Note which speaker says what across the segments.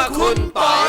Speaker 1: คุณปอย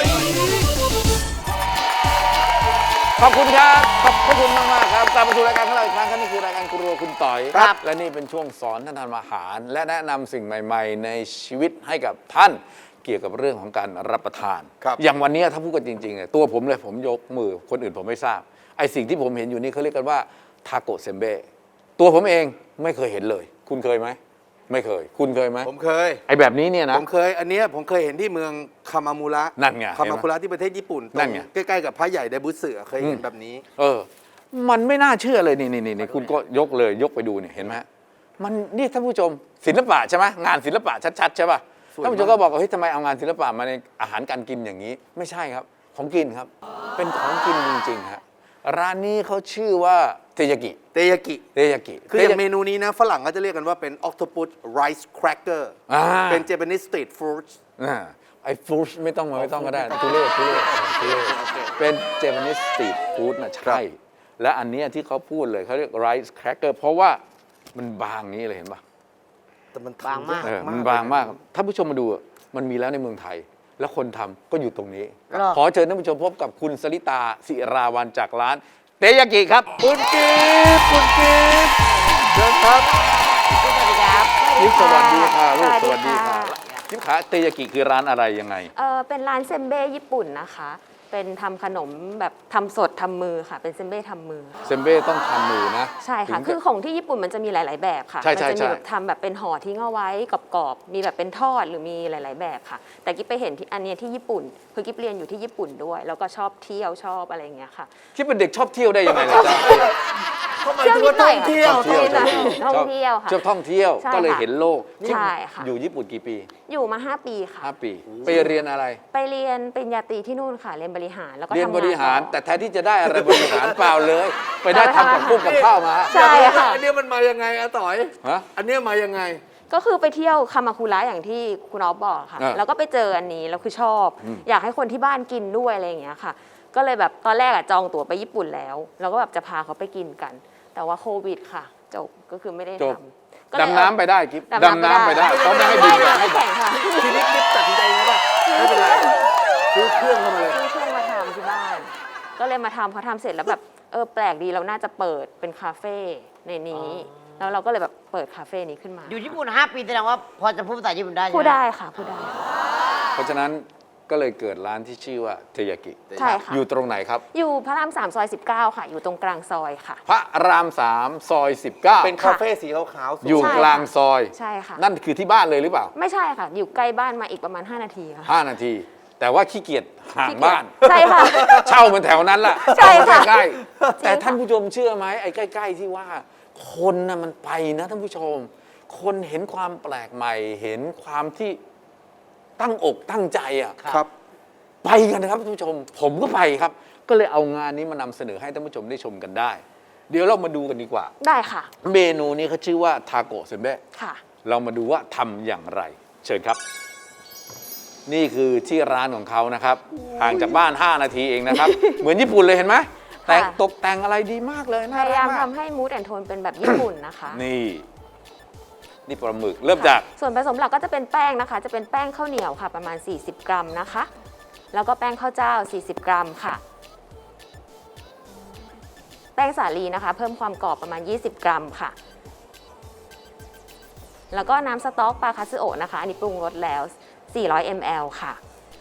Speaker 2: ขอบคุณครับขอบคุณมากๆครับกลับมาสู่รายการของเราอีกครั้งครับนี่คือรายการครัวคุณต่อย
Speaker 1: ครับ
Speaker 2: และนี่เป็นช่วงสอนท่านทำอาหาร และแนะนำสิ่งใหม่ ๆ ในชีวิตให้กับท่านเกี่ยวกับเรื่องของการรับประทาน อย่างวันนี้ถ้าพูดกันจริงๆเนี่ยตัวผมเลยผมยกมือคนอื่นผมไม่ทราบไอ้สิ่งที่ผมเห็นอยู่นี่เขาเรียกกันว่าทาโกะเซมเบ้ตัวผมเองไม่เคยเห็นเลย คุณเคยไหมไม่เคยคุณเคยไหม
Speaker 1: ผมเคย
Speaker 2: ไอ้แบบนี้เนี่ยนะ
Speaker 1: ผมเคย อันเนี้ยผมเคยเห็นที่เมืองคามามุระ
Speaker 2: นั่นไง
Speaker 1: คามามุระที่ประเทศญี่ปุ่น
Speaker 2: นั่นไง
Speaker 1: ใกล้ๆกับพระใหญ่ไดบุสึเคยเห็นแบบนี้
Speaker 2: มันไม่น่าเชื่อเลยนี่คุณก็ยกเลยยกไปดูเนี่ยเห็นไหมมันนี่ท่านผู้ชมศิลปะใช่ไหมงานศิลปะชัดๆใช่ป่ะ
Speaker 1: สวยมาก
Speaker 2: ท่านผู้ชมก็บอกว่าเฮ้ยทำไมเอางานศิลปะมาในอาหารการกินอย่างนี้ ไม่ใช่ครับของกินครับ เป็นของกินจริงๆฮะร้านนี้เขาชื่อว่าเทยากิ
Speaker 1: เตยากิ
Speaker 2: เทยากิ
Speaker 1: คืออย่างเมนูนี้นะฝรั่งก็จะเรียกกันว่าเป็น octopus rice cracker เป็น Japanese street food
Speaker 2: ไอ้ฟู้ดไม่ต้องก็ได้ทุเรศเป็นเจแปนิสสตรีทฟู้ดนะใช่และอันเนี้ยที่เขาพูดเลยเขาเรียกไรซ์แครกเกอร์เพราะว่ามันบางนี้เลยเห็นป่ะ
Speaker 1: แต่มัน
Speaker 3: บางมาก
Speaker 2: มันบางมากถ้าผู้ชมมาดูมันมีแล้วในเมืองไทย แล้วคนทำก็อยู่ตรงนี้
Speaker 3: หรอ
Speaker 2: ขอเชิญท่านผู้ชมพบกับคุณสริตาศิราวันจากร้านเตยากิครับคุณกิฟต์เชิญครับ
Speaker 3: สวัสดีครับ
Speaker 2: กิฟต์สวัสดีค่ะลูกส
Speaker 3: สวั
Speaker 2: วัส
Speaker 3: ส
Speaker 2: ดี
Speaker 3: ดี
Speaker 2: ค่ะ
Speaker 3: ค่ะ
Speaker 2: กิฟต์ขาเตยากิคือร้านอะไรยังไง
Speaker 3: เป็นร้านเซมเบ้ญี่ปุ่นนะคะ เป็นทำขนมแบบทำสดทำมือค่ะ เป็นเซมเบ้ทำมือ
Speaker 2: เซมเบ้ต้องทำมือนะ
Speaker 3: ใช่ค่ะ
Speaker 2: ถึงจ
Speaker 3: คือของที่ญี่ปุ่นมันจะมีหลาย ๆ แบบค่ะ
Speaker 2: ใช่
Speaker 3: มั
Speaker 2: ใช่
Speaker 3: จะ
Speaker 2: ใช่
Speaker 3: มีแบบทำแบบเป็นห่อทิ้งเอาไว้กรอบๆมีแบบเป็นทอดหรือมีหลาย ๆ แบบค่ะ แต่กิ๊บไปเห็นที่อันเนี้ยที่ญี่ปุ่น คือกิ๊บเรียนอยู่ที่ญี่ปุ่นด้วย แล้วก็ชอบเที่ยวชอบอะไรอย่างเงี้ยค่ะ
Speaker 2: คิดเป็นเด็กชอบเที่ยวได้ยังไงล่ะจ๊ะ
Speaker 1: เขาหมายถึงว่าท่องเที่ยว
Speaker 3: เที่ยวท่องเที่ยวค่ะ
Speaker 2: ชอบท่องเที่ยว
Speaker 3: ใช่
Speaker 2: ก็เลย
Speaker 3: ค่ะ
Speaker 2: เห็นโลก
Speaker 3: ใช่ค่ะ
Speaker 2: อยู่ญี่ปุ่นกี่ปี
Speaker 3: อยู่มา 5 ปีค่ะ
Speaker 2: 5 ปี ไปเรียนอะไร
Speaker 3: ไปเรียนปริญญาตรีที่นู่นค่ะ เรียนบริหารแล้วก็
Speaker 2: เรียน
Speaker 3: ทำงาน
Speaker 2: บริหาร
Speaker 3: ต่อ
Speaker 2: แต่แทนที่จะได้อะไรบริหารเปล่าเลย ไปได้ทำกับกุ้งกับข้าวมา
Speaker 3: ใช่ค่ะ
Speaker 1: อันเนี้ยมันมายังไงอะต่อย
Speaker 2: ฮะ
Speaker 1: อันเนี้ยมายังไง
Speaker 3: ก็คือไปเที่ยวคามาคุระอย่างที่คุณอ๊อฟบอกค่ะ แล้วก็ไปเจออันนี้แล้วคือชอบ อยากให้คนที่บ้านกินด้วยอะไรอย่างเงี้ยค่ะ ก็เลยแบบตอนแรกอะจองตั๋วไปญี่ปุ่นแล้วแล้วก็แบบจะพาเขาไปกินกัน แต่ว่าโควิดค่ะจบก็คือไม่ได้
Speaker 2: จบ
Speaker 3: ทำก็เลย
Speaker 2: ดำน้ำไปได้กิ๊บ
Speaker 3: ดำน้ำไปได้
Speaker 2: เขาไม่ให้บิน
Speaker 3: ว่าย
Speaker 2: ให้
Speaker 3: น้ำแข่งค่ะ
Speaker 1: ทีนี้กิ๊บตัดสินใจไงป่ะไม่เป็นไรซื้อเครื่องเข้ามาเลย
Speaker 3: ซื้อเครื่องมาทำที่บ้าน ก็เลยมาทำพอทำเสร็จแล้วแบบแปลกดีเราน่าจะเปิดเป็นคาเฟ่ในนี้ แล้วเราก็เลยแบบเปิดคาเฟ่นี้ขึ้นมา
Speaker 4: อยู่ญี่ปุ่น 5 ปีแสดงว่าพอจะพูดภาษาญี่ปุ่นได้ใช่ไหม
Speaker 3: พูดได้ค่ะพูดได้
Speaker 2: เพราะฉะนั้นก็เลยเกิดร้านที่ชื่อว่าเทยากิ
Speaker 3: ใช่ค่ะ
Speaker 2: อยู่ตรงไหนครับ
Speaker 3: อยู่พระราม3ซอย19ค่ะ อยู่ตรงกลางซอยค่ะ
Speaker 2: พระราม3ซอย19
Speaker 1: เป็นคาเฟ่สีขาวๆ
Speaker 2: อยู่
Speaker 3: ใช่
Speaker 2: กลางซอย
Speaker 3: ใช่ค่ะ
Speaker 2: นั่นคือที่บ้านเลยหรือเปล่า
Speaker 3: ไม่ใช่ค่ะ อยู่ใกล้บ้านมาอีกประมาณ 5 นาทีค่ะ
Speaker 2: 5 นาที แต่ว่าขี้เกียจห่างบ้าน
Speaker 3: ใช่ค่ะ
Speaker 2: เช่ามันแถวนั้นล่ะ
Speaker 3: ใช่ค่ะ
Speaker 2: เอามาใกล้
Speaker 3: จริง
Speaker 2: ๆ
Speaker 3: ค่ะ
Speaker 2: แต่ท่านผู้ชมเชื่อไหมไอ้ใกล้ ๆ ที่ว่า คนน่ะมันไปนะท่านผู้ชม คนเห็นความแปลกใหม่ เห็นความที่ตั้งอกตั้งใจอ่ะ
Speaker 1: ครับ
Speaker 2: ไปกันนะครับท่านผู้ชม ผมก็ไปครับ ก็เลยเอางานนี้มานำเสนอให้ท่านผู้ชมได้ชมกันได้ เดี๋ยวเรามาดูกันดีกว่า
Speaker 3: ได้ค่ะ
Speaker 2: เมนูนี้เขาชื่อว่าทาโกะเซมเบ้
Speaker 3: ค่ะ
Speaker 2: เรามาดูว่าทำอย่างไร เชิญครับ นี่คือที่ร้านของเขานะครับ ห่างจากบ้าน 5 นาทีเองนะครับ เหมือนญี่ปุ่นเลยเห็นไหมแต่ง
Speaker 3: ค่ะ
Speaker 2: ตกแต่งอะไรดีมากเลย
Speaker 3: พ
Speaker 2: น่ารั
Speaker 3: ยายาก ม
Speaker 2: มาก
Speaker 3: ทำให้มูดแอนโทนเป็นแบบญี่ปุ่นนะคะ
Speaker 2: นี่ปลาหมึกเริ่มจาก
Speaker 3: ส่วนผสมหลักก็จะเป็นแป้งนะคะ จะเป็นแป้งข้าวเหนียวค่ะ ประมาณ 40 กรัมนะคะ แล้วก็แป้งข้าวเจ้า 40 กรัมค่ะ แป้งสาลีนะคะ เพิ่มความกรอบประมาณ 20 กรัมค่ะ แล้วก็น้ำสต๊อกปลาคาซึโอะนะคะ อันนี้ปรุงรสแล้ว 400 ml ค่ะ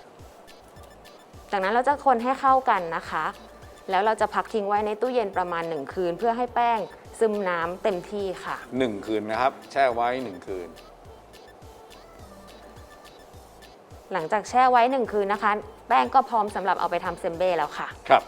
Speaker 3: จากนั้นเราจะคนให้เข้ากันนะคะ แล้วเราจะพักทิ้งไว้ในตู้เย็นประมาณ 1 คืน เพื่อให้แป้งซึมน้ำเต็มที่ค่ะ
Speaker 2: 1 คืนนะครับ แช่ไว้ 1 คืน
Speaker 3: หลังจากแช่ไว้ 1 คืนนะคะ แป้งก็พร้อมสำหรับเอาไปทำเซมเบ้แล้วค่ะ
Speaker 2: ครับ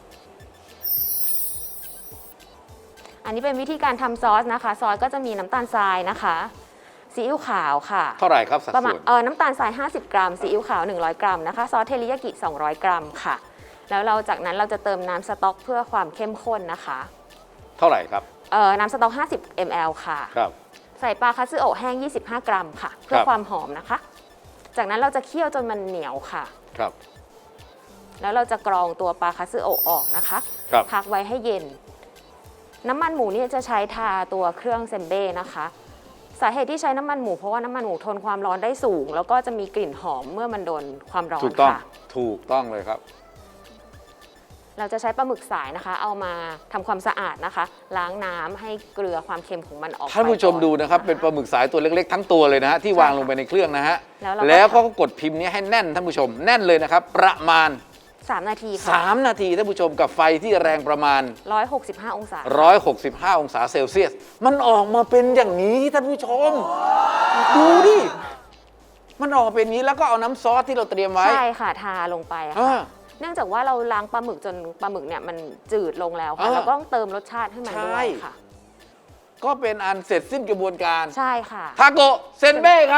Speaker 3: อันนี้เป็นวิธีการทำซอสนะคะ ซอสก็จะมีน้ำตาลทรายนะคะซีอิ๊วขาวค่ะ
Speaker 2: เท่าไหร่ครับสัด
Speaker 3: ประมาณ
Speaker 2: ส่วน
Speaker 3: น้ำตาลทราย 50 กรัมซีอิ๊วขาว 100 กรัมนะคะ ซอสเทริยากิ 200 กรัมค่ะ แล้วเราจากนั้นเราจะเติมน้ำสต๊อกเพื่อความเข้มข้นนะคะ
Speaker 2: เท่าไหร่ครับ
Speaker 3: น้ำสต๊อก 50 ml ค่ะ
Speaker 2: ครับ
Speaker 3: ใส่ปลาคาซึโอะแห้ง 25 กรัมค่ะ เพื่อ
Speaker 2: ครับ
Speaker 3: ความหอมนะคะ จากนั้นเราจะเคี่ยวจนมันเหนียวค่ะ
Speaker 2: ครับ
Speaker 3: แล้วเราจะกรองตัวปลาคาซึโอะออกนะคะ
Speaker 2: ครับ
Speaker 3: พักไว้ให้เย็น น้ำมันหมูเนี่ยจะใช้ทาตัวเครื่องเซมเบ้นะคะสาเหตุที่ใช้น้ำมันหมูเพราะว่าน้ำมันหมูทนความร้อนได้สูง แล้วก็จะมีกลิ่นหอมเมื่อมันโดนความร้อน
Speaker 2: ถูกต้อง
Speaker 3: ค่ะ
Speaker 2: ถูกต้องเลยครับ
Speaker 3: เราจะใช้ปลาหมึกสายนะคะ เอามาทำความสะอาดนะคะ ล้างน้ำให้เกลือความเค็มของมันออกไป
Speaker 2: ท่านผู้ชมดูนะครับ เป็นปลาหมึกสายตัวเล็กๆทั้งตัวเลยนะฮะที่วางลงไปในเครื่องนะฮะ
Speaker 3: แล้วเราก็
Speaker 2: แล้วก็กดพิมพ์นี้ให้แน่นท่านผู้ชมแน่นเลยนะครับ ประมาณ
Speaker 3: 3 นาทีค่ะ
Speaker 2: 3 นาทีท่านผู้ชมกับไฟที่แรงประมาณ
Speaker 3: 165 องศา
Speaker 2: 165 องศาเซลเซียส มันออกมาเป็นอย่างนี้ท่านผู้ชม ดูดิ มันออกมาเป็นอย่างนี้แล้วก็เอาน้ำซอสที่เราเตรียมไว้
Speaker 3: ใช่ค่ะ ทาลงไปอะ
Speaker 2: อ่า
Speaker 3: ค่ะ เนื่องจากว่าเราล้างปลาหมึกจนปลาหมึกเนี่ยมันจืดลงแล้วค่ะ
Speaker 2: อ่า
Speaker 3: เราก็ต้องเติมรสชาติให้มันด้วยค่ะ
Speaker 2: ก็เป็นอันเสร็จสิ้นกระบวนการ
Speaker 3: ใช่ค่ะ
Speaker 2: ทาโกะเซนเบ้ครับ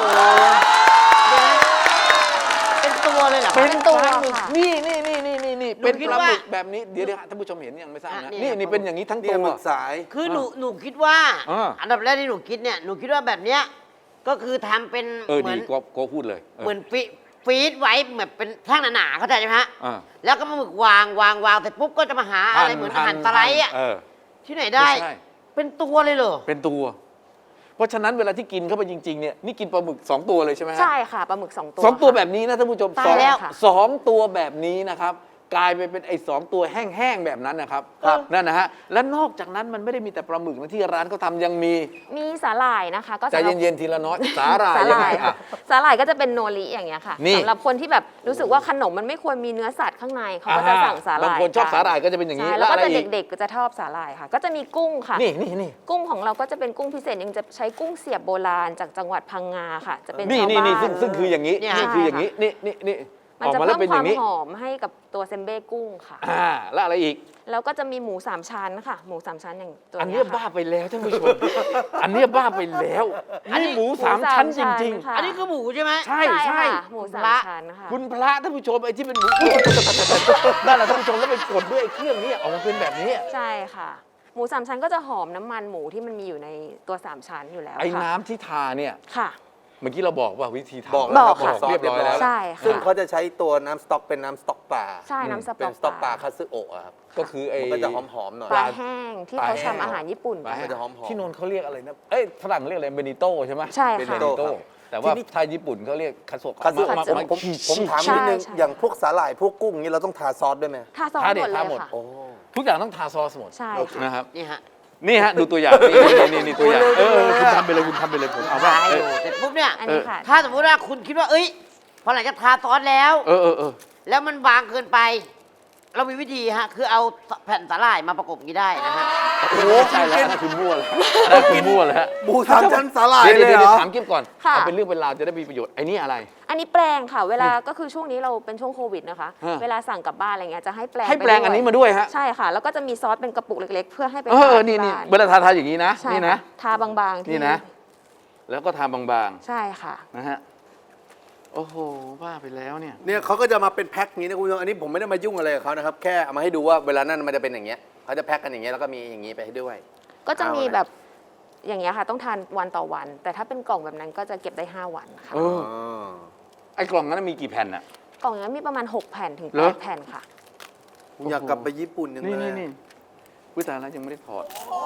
Speaker 4: เป็นตัวเลยเหรอ
Speaker 3: เป็นตัว
Speaker 2: ปลาหมึก
Speaker 3: ค่ะ
Speaker 2: นี่เป็น
Speaker 4: คิด
Speaker 2: ปลา
Speaker 4: ว่า
Speaker 2: หมึกแบบนี้เดี๋ยวท่านผู้ชมเห็นยังไม่ทราบนะ
Speaker 4: นี่
Speaker 2: นี่เป็นอย่างนี้ทั้ง
Speaker 1: เนี่
Speaker 2: ตั
Speaker 1: ยว หมึกสาย
Speaker 4: คือหนูคิดว่า
Speaker 2: อ่า
Speaker 4: อันดับแรกที่หนูคิดเนี่ยหนูคิดว่าแบบเนี้ยก็คือทำเป็น
Speaker 2: ดี
Speaker 4: น
Speaker 2: ก็พูดเลย
Speaker 4: เหมือนฟีดไว้แบบเป็นแท่งหนาๆเข้าใจไหมฮะ
Speaker 2: อ่า
Speaker 4: แล้วก็มาหมึกวางเสร็จปุ๊บก็จะมาหาอะไรเหมือนอาหารสไลด์อ่ะ
Speaker 2: เออ
Speaker 4: ที่ไหนได้
Speaker 2: ไม่ใช่
Speaker 4: เป็นตัวเลยเหรอ
Speaker 2: เป็นตัว เพราะฉะนั้นเวลาที่กินเข้าไปจริงๆเนี่ยนี่กินปลาหมึก2 ตัวเลยใช่ไหมฮะ
Speaker 3: ใช่ค่ะ ปลาหมึก 2 ตัว
Speaker 2: สองตัว
Speaker 3: ค่ะ
Speaker 2: แบบนี้นะท่านผู้ชม
Speaker 3: ตายแล้ว
Speaker 2: สองตัวแบบนี้นะครับกลายไปเป็นไอ้2 ตัวแห้งๆแบบนั้นนะครับนั่นนะฮะและนอกจากนั้นมันไม่ได้มีแต่ปลาหมึกนะที่ร้านเขาทำยังมี
Speaker 3: มีสาหร่ายนะคะ ก็
Speaker 2: ใจ
Speaker 3: สำหรับ
Speaker 2: เย็นๆทีละน้อยสาหร่าย
Speaker 3: สา
Speaker 2: ยัง
Speaker 3: ห
Speaker 2: ไง
Speaker 3: ร่าย
Speaker 2: อ่ะ
Speaker 3: สาหร่ายก็จะเป็นโนริอย่างเงี้ยค่ะ
Speaker 2: นี่
Speaker 3: สำหรับคนที่แบบรู้สึกว่าขนมมันไม่ควรมีเนื้อสัตว์ข้างในเขาก็จะสั่งสาหร่าย
Speaker 2: บางคนชอบสาหร่ายก็จะเป็นอย่างนี้
Speaker 3: ใช่
Speaker 2: แล้
Speaker 3: แล้ว ว
Speaker 2: อะ
Speaker 3: ก็
Speaker 2: ไร
Speaker 3: จะ
Speaker 2: อีก
Speaker 3: เด็กๆก็จะชอบสาหร่ายค่ะ ก็จะมีกุ้งค่ะ
Speaker 2: นี่
Speaker 3: กุ้งของเราก็จะเป็นกุ้งพิเศษยังจะใช้กุ้งเสียบโบราณจากจังหวัดพังงาค่ะ จะเป็น
Speaker 2: นี่
Speaker 3: ชาว
Speaker 2: นี่
Speaker 3: บ้า
Speaker 2: นี่
Speaker 3: น
Speaker 2: ซึ่งคืออย่างนี้
Speaker 4: เนี่ย
Speaker 2: นี่คืออย่างนี้นี่
Speaker 3: มัน
Speaker 2: ออก
Speaker 3: จะ
Speaker 2: มาแล้
Speaker 3: เพิ่
Speaker 2: ว
Speaker 3: ม
Speaker 2: เป็น
Speaker 3: ค
Speaker 2: อ
Speaker 3: วาม
Speaker 2: ย่างนี้
Speaker 3: หอมให้กับตัวเซมเบ้กุ้งค่ะ
Speaker 2: แล้วอะไรอีก
Speaker 3: แล้วก็จะมีหมู3ชั้นค่ะ หมู3ชั้นอย่างตัว
Speaker 2: อัน
Speaker 3: เนี้
Speaker 2: เนี้
Speaker 3: ย
Speaker 2: ยบ้า
Speaker 3: ค่ะ
Speaker 2: ไปแล้วท่านผู้ชม อันเนี้ยบ้าไปแล้วนี่หมูสามชั้นจริง
Speaker 3: ค่ะ
Speaker 4: อันนี้คือหมูใช่ไหม
Speaker 2: ๆ ใช่
Speaker 3: ใช่
Speaker 2: ใช่
Speaker 3: ค่ะหมูสาม
Speaker 4: พระ
Speaker 3: ชั้นค่ะ
Speaker 2: คุณพระท่านผู้ชมไอ้ที่เป็นหมูนั่นแหละท่านผู้ชมแล้วไปกดด้วยไอ้เครื่องนี้ออกมาเป็นแบบนี้
Speaker 3: ใช่ค่ะ หมู3ชั้นก็จะหอมน้ำมันหมูที่มันมีอยู่ในตัว3ชั้นอยู่แล้ว
Speaker 2: ไอ้
Speaker 3: ค่ะ
Speaker 2: น้ำที่ทาเนี่ย
Speaker 3: ค่ะ
Speaker 2: เมื่อกี้เราบอกว่าวิธีทำ
Speaker 1: บอกแล้วครับ
Speaker 3: บอกค่ะ
Speaker 1: ซอส
Speaker 2: เรียบร้อยแล้ว
Speaker 3: ใช่
Speaker 1: ซึ่ง
Speaker 3: ค่ะ
Speaker 1: เขาจะใช้ตัวน้ำสต๊อกเป็นน้ำสต๊อกปลา
Speaker 3: ใช่น้ำส
Speaker 1: เป็น
Speaker 3: ต๊อก
Speaker 1: สต๊อกปลาคาซึโอะอะครับ
Speaker 2: ก็คือไอ้
Speaker 1: มันก็จะหอมๆหน่อย
Speaker 3: ปลาแห้งที่
Speaker 2: ปลา
Speaker 3: เขา
Speaker 2: แห้ง
Speaker 3: ทำอาหารญี่ปุ่น
Speaker 2: ปลา
Speaker 3: กัน
Speaker 2: แห้ง
Speaker 1: มันจะหอมๆ
Speaker 2: ที่โนนเขาเรียกอะไรนะเอ้ยฝรั่งเรียกอะไรเบนิโต้ใช่ไหม
Speaker 3: ใช่
Speaker 2: เป็น
Speaker 3: ค่ะ
Speaker 2: เบนิโต้
Speaker 1: ครับ
Speaker 2: แต่ว่า
Speaker 1: ที่นี่
Speaker 2: ไทยญี่ปุ่นเขาเรียกคาโซ
Speaker 1: คาซึ ผมถามนิดนึง
Speaker 3: ใช่
Speaker 1: อย่างพวกสาหร่ายพวกกุ้งนี้เราต้องทาซอสด้วยไหม
Speaker 3: ทาซอส
Speaker 2: ทาเด็
Speaker 3: ห
Speaker 2: ด
Speaker 3: มดเล
Speaker 2: ทาย หมด
Speaker 3: ค่ะ
Speaker 1: โอ้
Speaker 2: ทุกอย่างต้องทาซอสหมด
Speaker 3: ใช่ค่ะ
Speaker 2: นะครับ
Speaker 4: นี่ฮะ
Speaker 2: นี่ฮะดูตัวอย่างนี่ตัวอย่างคุณทำไปเลยคุณทำไปเลยผมเอาว่า
Speaker 4: ทาให้ดูเสร็จปุ๊บเนี่ย
Speaker 3: อันนี้ค่ะ
Speaker 4: ถ้าสมมติว่าคุณคิดว่าเอ้ยพอหลังจากทาซอสแล้ว
Speaker 2: เออ
Speaker 4: แล้วมันบางเกินไป เรามีวิธีฮะ คือเอาแผ่นสาหร่ายมาประกบอย่างนี้ได้นะฮะ
Speaker 2: โอ้ใช่แล้วนั่นคือมั่วแล้วนั่นคือมั่วแล้วฮะ
Speaker 1: หมูสามชั้นสาหร่าย
Speaker 2: เดี๋ยว
Speaker 1: เลยเหรอ
Speaker 2: ถามกิ๊บก่อน
Speaker 3: ค่ะ
Speaker 2: เอาเป็นเรื่องเป็นราวจะได้มีประโยชน์ไอ้นี่อะไร
Speaker 3: อันนี้แปลงค่ะ เวลาก็คือช่วงนี้เราเป็นช่วงโควิดนะคะ
Speaker 2: ฮะ
Speaker 3: เวลาสั่งกลับบ้านอะไรเงี้ยจะให้แปลง
Speaker 2: ให้แปลง
Speaker 3: ไปด้วย
Speaker 2: อันนี้มาด้วยฮะ
Speaker 3: ใช่ค่ะ แล้วก็จะมีซอสเป็นกระปุกเล็ก ๆ เพื่อให้ไป
Speaker 2: เอ
Speaker 3: ทา
Speaker 2: นี่
Speaker 3: ที่บ้าน
Speaker 2: เวลาทาอย่างนี้นะ
Speaker 3: ใช่
Speaker 2: นี่
Speaker 3: ค่ะ
Speaker 2: นะ
Speaker 3: ทาบางๆที่
Speaker 2: นี่นะ แล้วก็ทาบาง
Speaker 3: ใช่ค่ะ
Speaker 2: ๆนะฮะโอ้โหบ้าไปแล้วเนี่ย
Speaker 1: เนี่ยเขาก็จะมาเป็นแพ็คนี้นะคุณผู้ชมอันนี้ผมไม่ได้มายุ่งอะไรกับเขานะครับ แค่เอามาให้ดูว่าเวลานั้นมันจะเป็นอย่างเงี้ยเขาจะแพ็คกันอย่างเงี้ยแล้วก็มีอย่างงี้ไปให้ด้วย
Speaker 3: ก็จะมี
Speaker 1: เอาละ
Speaker 3: แบบอย่างเงี้ยค่ะ ต้องทานวันต่อวัน แต่ถ้าเป็นกล่องแบบนั้นก็จะเก็บได้ 5 วันค่ะ
Speaker 2: เออ ไอ้กล่องนั้นมีกี่แผ่นอ่ะ
Speaker 3: กล่องอย่างนี้มีประมาณ 6 แผ่นถึง
Speaker 2: เหรอ
Speaker 3: 8แผ่นค่ะ
Speaker 1: ผมอยากกลับไปญี่ปุ่นยัง
Speaker 2: นี่
Speaker 1: เลย
Speaker 2: นี่วิตายแล้วยังไม่ได้ถอด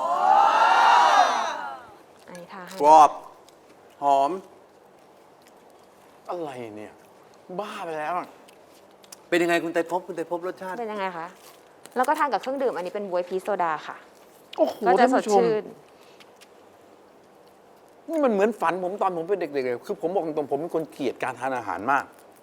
Speaker 3: อันนี้ทาให้
Speaker 1: กรอบหอม
Speaker 2: อะไรเนี่ย บ้าไปแล้วอะ
Speaker 1: เป็นยังไงคุณไตรภพคุณไตรภพรสชาติ
Speaker 3: เป็นยังไงคะ แล้วก็ทานกับเครื่องดื่มอันนี้เป็นบวยพีชโซดาค่ะ
Speaker 2: โอ้โห
Speaker 3: ก็จะ
Speaker 2: ท่าน
Speaker 3: สด
Speaker 2: ผู้ชม
Speaker 3: ชื่น
Speaker 2: นี่มันเหมือนฝันผมตอนผมเป็นเด็กๆเลยคือผมบอกตรงๆผมเป็นคนเกลียดการทานอาหารมาก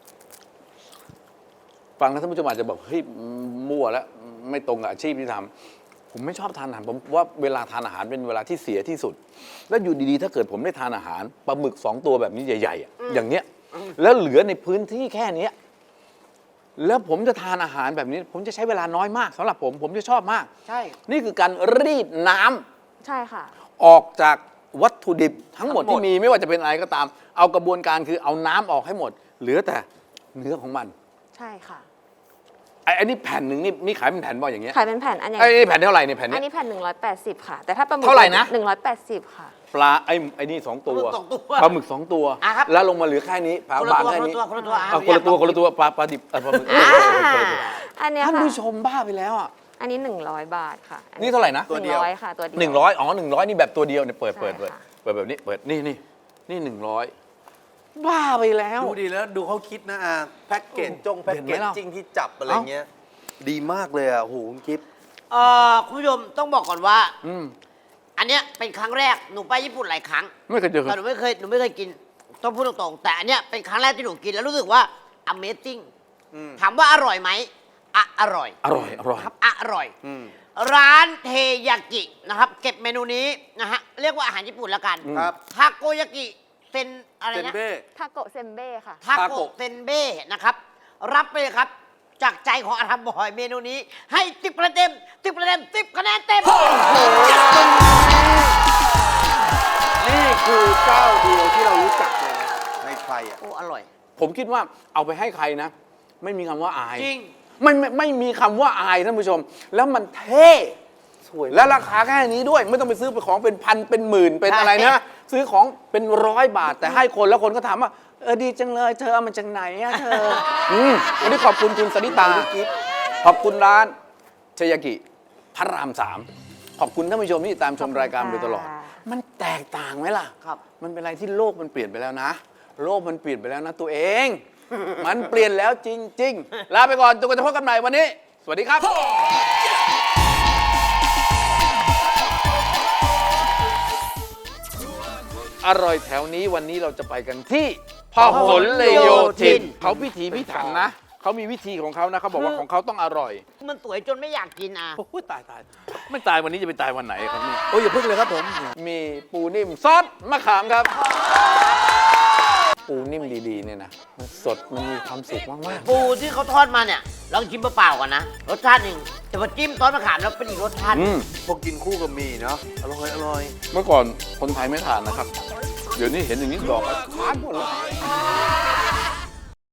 Speaker 2: ฟังแล้วท่านผู้ชมอาจจะแบบเฮ้ยมั่วแล้วไม่ตรงกับอาชีพที่ทำผมไม่ชอบทานอาหารผมว่าเวลาทานอาหารเป็นเวลาที่เสียที่สุด แล้วอยู่ดีๆ ถ้าเกิดผมได้ทานอาหารปลาหมึก2 ตัวแบบนี้ใหญ่ๆอะอย่างเนี้ยแล้วเหลือในพื้นที่แค่เนี้ยแล้วผมจะทานอาหารแบบนี้ ผมจะใช้เวลาน้อยมากสำหรับผมจะชอบมาก
Speaker 4: ใช่
Speaker 2: นี่คือการรีดน้ำ
Speaker 3: ใช่ค่ะ
Speaker 2: ออกจากวัตถุดิบทั้งหมด
Speaker 1: ทั้งหมด
Speaker 2: ที่มีไม่ว่าจะเป็นอะไรก็ตาม เอากระบวนการคือเอาน้ำออกให้หมด เหลือแต่เนื้อของมัน
Speaker 3: ใช่ค่ะ
Speaker 2: ไอ้นี่แผ่นหนึ่งนี่ขายเป็นแผ่นบ่อยอย่างเงี้ย
Speaker 3: ขายเป็นแผ่นอันอย่าง
Speaker 2: ไอ้นี่แผ่นเท่าไหร่เนี่ยแผ่น
Speaker 3: อั
Speaker 2: เนี้
Speaker 3: น
Speaker 2: ย
Speaker 3: นี้แผ่น 180 ค่ะ แต่ถ้าปลาหมึก
Speaker 2: เท่าไหร่นะ
Speaker 3: 180 ค่ะ
Speaker 2: ปลาไอ้นี่2 ตัว
Speaker 4: ปลาหมึกสองตัว
Speaker 2: ปลาหมึก2 ตัว
Speaker 4: อ่ะครับ
Speaker 2: แล้วลงมาเหลือแค่นี้ปลา
Speaker 4: คน
Speaker 2: บา
Speaker 4: ละ
Speaker 2: ง
Speaker 4: ตัว
Speaker 2: แค่นี้
Speaker 4: คนละตัว
Speaker 2: เอาคนละตัวปลาดิบปลาหมึก
Speaker 3: อันเนี้ย
Speaker 2: ท่าน
Speaker 3: ค่ะ
Speaker 2: ผู้ชมบ้าไปแล้วอ่ะ
Speaker 3: อันนี้100 บาทค่ะ
Speaker 2: นี่เท่าไหร่นะ
Speaker 1: ตัวเดียว
Speaker 3: 100ค่ะ ตัวเดียว
Speaker 2: 100อ๋อ100นี่แบบตัวเดียวเนี่ยเปิด
Speaker 3: ใช่
Speaker 2: เปิด
Speaker 3: ค่ะ
Speaker 2: เปิดแบบนี้เปิดนี่100 บ้าไปแล้ว
Speaker 1: ดูดีแล้วดูเขาคิดนะแพ็กเกจแพ็ก
Speaker 2: เห็นไห
Speaker 1: เก
Speaker 2: ม
Speaker 1: จ
Speaker 2: ล่ะ
Speaker 1: จิ้งที่จับอะไรเงี้ย ดีมากเลยอ่ะโอ้โหคุณกิฟต์
Speaker 4: คุณผู้ชมต้องบอกก่อนว่า
Speaker 2: อืม
Speaker 4: อันเนี้ยเป็นครั้งแรกหนูไปญี่ปุ่นหลายครั้ง
Speaker 2: ไม่เคยเจอ
Speaker 4: แต่หนูไม่เคยกินต้องพูดตรงๆแต่อันเนี้ยเป็นครั้งแรกที่หนูกินแล้วรู้สึกว่า Amazing ถามว่าอร่อยไหมอร่อย
Speaker 2: อร่อย
Speaker 4: ครับอร่อย ร้านเทยากินะครับ เก็บเมนูนี้นะฮะเรียกว่าอาหารญี่ปุ่นแล้วกัน
Speaker 1: ครับ
Speaker 4: ทาโกยากิเซนอะไร
Speaker 1: เซน
Speaker 4: นะ
Speaker 1: เบ้
Speaker 3: ทาโกะเซมเบ้ค่ะ
Speaker 4: ทาโกะเซนเบ้นะครับ รับไปเลยครับ จากใจของอาธรรมบอยเมนูนี้ ให้10คะแนนเต็ม10คะแนน10คะแนนเต็ม
Speaker 1: นี่คือเจ้าเดียวที่เรารู้จักเลยนะในไทยอ่ะ
Speaker 4: โอ้อร่อย
Speaker 2: ผมคิดว่าเอาไปให้ใครนะ ไม่มีคำว่าอาย
Speaker 4: จริง
Speaker 2: ไม่มีคำว่าอายท่านผู้ชม แล้วมันเท่
Speaker 1: สวย
Speaker 2: และราคาแค่นี้ด้วย ไม่ต้องไปซื้อไปของเป็นพันเป็นหมื่นเป็นอะไรนะ ซื้อของเป็น100 บาท แต่ให้คนแล้วคนก็ถามว่าดีจังเลยเธอเอามาจากไหนอะเธอวันนี้ขอบคุณคุณสนิตาขอบคุณร้านเชยากิพระราม 3 ขอบคุณท่านผู้ชมที่ติดตามชมรายการมาโดยตลอด
Speaker 3: ค่ะ
Speaker 2: มันแตกต่างไหมล่ะ
Speaker 4: ครับ
Speaker 2: มันเป็นอะไรที่โลกมันเปลี่ยนไปแล้วนะ โลกมันเปลี่ยนไปแล้วนะตัวเอง มันเปลี่ยนแล้วจริง ๆ ลาไปก่อนจนกว่าจะพบกันใหม่วันนี้ สวัสดีครับ อร่อยแถวนี้วันนี้เราจะไปกันที่พหลโยธินเขาพิถีพิถันนะ เขามีวิธีของเขานะเขาบอกว่าของเขาต้องอร่อย
Speaker 4: มันสวยจนไม่อยากกินอ่ะ
Speaker 2: โอ้ยตายไม่ตายวันนี้จะไปตายวันไหนครับนี่
Speaker 1: โอ้ยอย่าพึ่งเลยครับผม
Speaker 2: มีปูนิ่มซอสมะขามครับ ปูนิ่มดีๆเนี่ยนะมันสดมันมีความสุขมาก
Speaker 4: ปูที่เขาทอดมาเนี่ยลองชิมเปล่าๆก่อนนะ รสชาติหนึ่งแต่พอจิ้มซอสมะขามแล้วเป็นอีกรสชาติ
Speaker 1: พวกกินคู่กับหมี่เนาะอร่อยอร่อย
Speaker 2: เมื่อก่อนคนไทยไม่ทานนะครับ เดี๋ยวนี้เห็นอย่างนี้ดอกทานหมดเลย